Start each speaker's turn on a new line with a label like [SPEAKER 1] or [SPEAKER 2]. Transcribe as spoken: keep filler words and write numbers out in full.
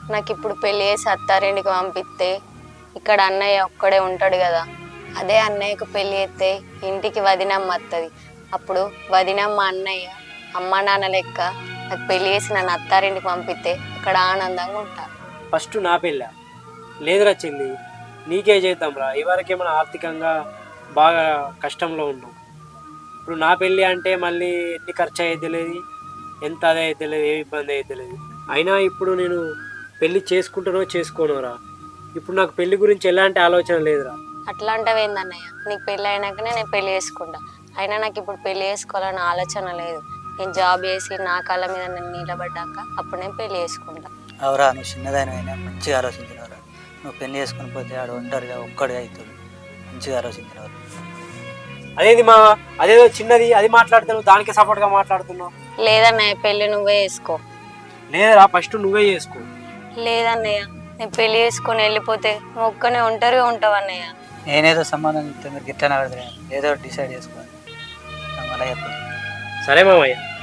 [SPEAKER 1] నాకు ఇప్పుడు పెళ్లి చేసి అత్తారింటికి పంపిస్తే ఇక్కడ అన్నయ్య ఒక్కడే ఉంటాడు కదా. అదే అన్నయ్యకు పెళ్లి చేస్తే ఇంటికి వదినమ్మ వస్తుంది. అప్పుడు వదినమ్మ అన్నయ్య అమ్మ నాన్న లెక్క నాకు పెళ్లి చేసి నన్ను అత్తారింటికి పంపిస్తే అక్కడ ఆనందంగా ఉంటా.
[SPEAKER 2] ఫస్ట్ నా పెళ్ళ లేదురా చెల్లి, నీకే చేద్దాం రా. ఇవరకేమైనా ఆర్థికంగా బాగా కష్టంలో ఉన్నాం. ఇప్పుడు నా పెళ్ళి అంటే మళ్ళీ ఎన్ని ఖర్చు అయ్యేది తెలియదు, ఎంత అదే అయితే తెలియదు, ఏ ఇబ్బంది అయితే తెలియదు. అయినా ఇప్పుడు నేను పెళ్ళి చేసుకుంటానో చేసుకోనోరా. ఇప్పుడు నాకు పెళ్లి గురించి ఎలాంటి ఆలోచన లేదురా.
[SPEAKER 1] అట్లా అంటావు ఏందన్నయ్య? నీకు పెళ్ళి అయినాకనే నేను పెళ్లి చేసుకుంటా. అయినా నాకు ఇప్పుడు పెళ్లి చేసుకోవాలన్న ఆలోచన లేదు. నేను జాబ్ చేసి నా కాళ్ళ మీద నేను నిలబడ్డాక అప్పుడు నేను పెళ్లి చేసుకుంటా.
[SPEAKER 3] అవురా, నువ్వు చిన్నదానివైనా మంచిగా ఆలోచించినవరా. నువ్వు పెళ్లి చేసుకుని పోతే ఆడు ఒంటరిగా ఒక్కడిగా అవుతాడు. మంచిగా ఆలోచించినవారు.
[SPEAKER 2] అదేది మా అదేదో చిన్నది అది మాట్లాడుతున్నావు, దానికి సపోర్ట్గా మాట్లాడుతున్నావు.
[SPEAKER 1] లేదన్నయ్య, పెళ్లి నువ్వే చేసుకో.
[SPEAKER 2] లేదురా, ఫస్ట్ నువ్వే చేసుకో.
[SPEAKER 1] లేదన్నయ్య, నేను పెళ్లి చేసుకొని వెళ్ళిపోతే నువ్వు ఒక్కనే ఒంటరిగా ఉంటావు అన్నయ్య.
[SPEAKER 3] నేనేదో సంబంధం చెప్తే మీరు గిట్టన ఏదో డిసైడ్ చేసుకోవాలి. మళ్ళీ చెప్పండి.
[SPEAKER 2] సరే మామయ్య.